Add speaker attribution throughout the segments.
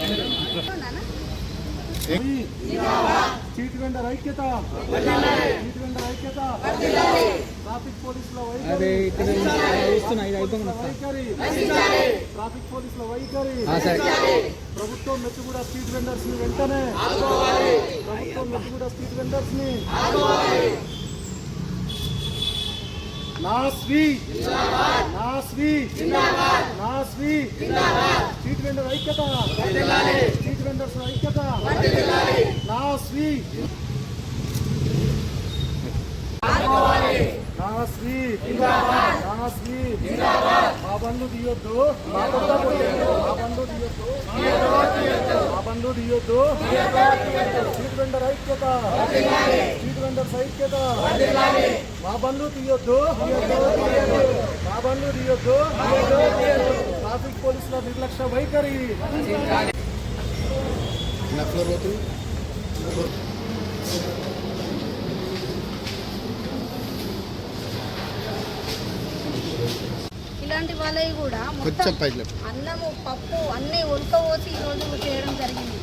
Speaker 1: Street vendor ఐక్యత, street vendor ఐక్యత, traffic పోలీసుల వైఖరి, ట్రాఫిక్ పోలీసుల వైఖరి, ప్రభుత్వం మెచ్చుగూడ స్ట్రీట్ వెండర్స్ ని వెంటనే, ప్రభుత్వం మెచ్చుగూడ స్ట్రీట్ వెండర్స్ ని స్ట్రీట్ వెండర్ ఐక్యత, స్ట్రీట్ వెండర్స్ ఐక్యత, మా బంధు తీయొద్దు, మా బంధు తీయొద్దు, మా బంధు తీయొద్దు, స్ట్రీట్ వెండర్ ఐక్యత, స్ట్రీట్ వెండర్స్ ఐక్యత, మా బంధు తీయొద్దు, మా బంధు తీయొద్దు, ట్రాఫిక్ పోలీసుల నిర్లక్ష్య వైఖరి.
Speaker 2: ఇలాంటి వాళ్ళవి కూడా మొత్తం అన్నము పప్పు అన్నీ ఉడకపోసి ఈరోజు చేయడం జరిగింది.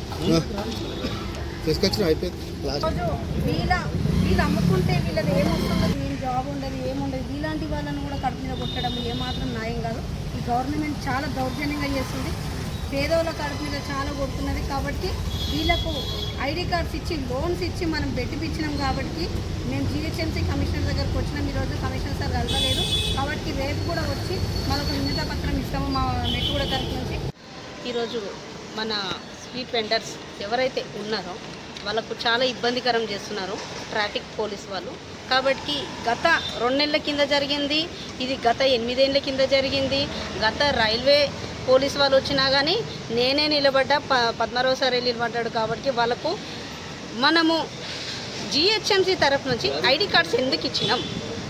Speaker 2: రోజు వీళ్ళు అమ్ముకుంటే వీళ్ళది ఏమొస్తుందో, ఏం జాబ్ ఉండదు, ఏముండదు. ఇలాంటి వాళ్ళని కూడా కడుపు మీద కొట్టడం ఏమాత్రం న్యాయం కాదు. ఈ గవర్నమెంట్ చాలా దౌర్జన్యంగా చేస్తుంది, పేదోళ్ళ కడుపు మీద చాలా కొడుతున్నది. కాబట్టి వీళ్ళకు ఐడి కార్డ్స్ ఇచ్చి లోన్స్ ఇచ్చి మనం పెట్టిపించినాం. కాబట్టి మేము జిహెచ్ఎంసీ కమిషనర్ దగ్గరకు వచ్చినాం. ఈరోజు కమిషనర్ సార్ కలవలేదు. కాబట్టి రేపు కూడా వచ్చి మనకు నిందిత పత్రం ఇస్తాము మా మెట్టుగూడ తరఫు నుంచి. ఈరోజు మన స్ట్రీట్ వెండర్స్ ఎవరైతే ఉన్నారో వాళ్ళకు చాలా ఇబ్బందికరం చేస్తున్నారు ట్రాఫిక్ పోలీస్ వాళ్ళు. కాబట్టి గత 2 నెలల కింద జరిగింది, ఇది గత 8 ఏళ్ళ కింద జరిగింది. గత రైల్వే పోలీస్ వాళ్ళు వచ్చినా కానీ నేనే నిలబడ్డా, పద్మారావు సార్ నిలబడ్డాడు. కాబట్టి వాళ్ళకు మనము జిహెచ్ఎంసీ తరఫు నుంచి ఐడి కార్డ్స్ ఎందుకు ఇచ్చినాం,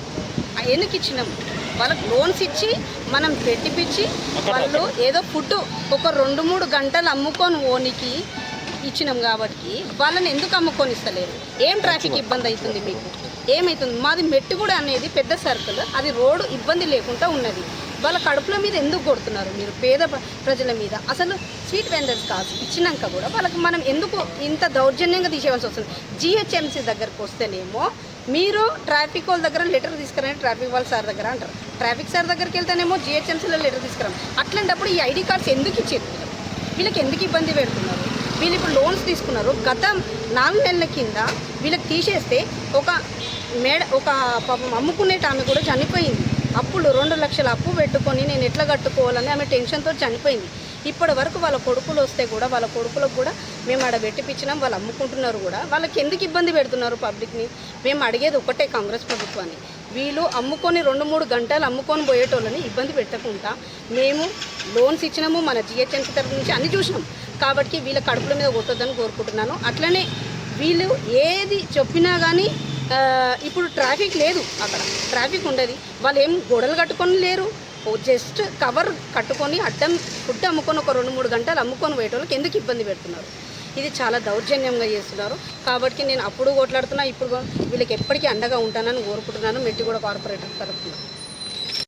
Speaker 2: వాళ్ళకు లోన్స్ ఇచ్చి మనం పెట్టిపించి వాళ్ళు ఏదో ఫుడ్ ఒక 2-3 గంటలు అమ్ముకొని ఓనికి ఇచ్చినాం. కాబట్టి వాళ్ళని ఎందుకు అమ్ముకొని ఇస్తలేరు? ఏం ట్రాఫిక్ ఇబ్బంది అవుతుంది మీకు? ఏమవుతుంది? మాది మెట్టుగూడ అనేది పెద్ద సర్కిల్, అది రోడ్డు ఇబ్బంది లేకుండా ఉన్నది. వాళ్ళ కడుపుల మీద ఎందుకు కొడుతున్నారు మీరు? పేద ప్రజల మీద. అసలు స్ట్రీట్ వెండర్స్ కాదు ఇచ్చినాక కూడా వాళ్ళకి మనం ఎందుకు ఇంత దౌర్జన్యంగా తీసేయాల్సి వస్తుంది? జిహెచ్ఎంసీ దగ్గరకు వస్తేనేమో మీరు ట్రాఫిక్ వాళ్ళ దగ్గర లెటర్ తీసుకురండి, ట్రాఫిక్ వాళ్ళ సార్ దగ్గర అంటారు. ట్రాఫిక్ సార్ దగ్గరికి వెళ్తేనేమో జిహెచ్ఎంసీలో లెటర్ తీసుకురాం. అట్లాంటప్పుడు ఈ ఐడి కార్డ్స్ ఎందుకు ఇచ్చేది? వీళ్ళకి ఎందుకు ఇబ్బంది పెడుతున్నారు? వీళ్ళు ఇప్పుడు లోన్స్ తీసుకున్నారు. గత 4 నెలల కింద వీళ్ళకి తీసేస్తే ఒక పాపం అమ్ముకునేట ఆమె కూడా చనిపోయింది. అప్పుడు 2 లక్షల అప్పు పెట్టుకొని నేను ఎట్లా కట్టుకోవాలని ఆమె టెన్షన్తో చనిపోయింది. ఇప్పటి వరకు వాళ్ళ కొడుకులు వస్తే కూడా వాళ్ళ కొడుకులకు కూడా మేము ఆడ పెట్టిపించినాం, వాళ్ళు అమ్ముకుంటున్నారు కూడా. వాళ్ళకి ఎందుకు ఇబ్బంది పెడుతున్నారు పబ్లిక్ని? మేము అడిగేది ఒకటే కాంగ్రెస్ ప్రభుత్వాన్ని, వీళ్ళు అమ్ముకొని 2-3 గంటలు అమ్ముకొని పోయేటోళ్ళని ఇబ్బంది పెట్టకుండా మేము లోన్స్ ఇచ్చినాము, మన జిహెచ్ఎంసీ తరఫు నుంచి అన్ని చూసినాం. కాబట్టి వీళ్ళ కడుపుల మీద కొట్టొద్దని కోరుకుంటున్నాను. అట్లనే వీళ్ళు ఏది చెప్పినా కానీ ఇప్పుడు ట్రాఫిక్ లేదు, అక్కడ ట్రాఫిక్ ఉండదు. వాళ్ళు ఏం గొడవలు కట్టుకొని లేరు, జస్ట్ కవర్ కట్టుకొని అడ్డం ఫుడ్ అమ్ముకొని ఒక 2-3 గంటలు అమ్ముకొని పోయేటోళ్ళకి ఎందుకు ఇబ్బంది పెడుతున్నారు? ఇది చాలా దౌర్జన్యంగా చేస్తున్నారు. కాబట్టి నేను అప్పుడు కొట్లాడుతున్నా, ఇప్పుడు వీళ్ళకి ఎప్పటికీ అండగా ఉంటానని కోరుకుంటున్నాను మెట్టుగూడ కార్పొరేటర్ తరఫున.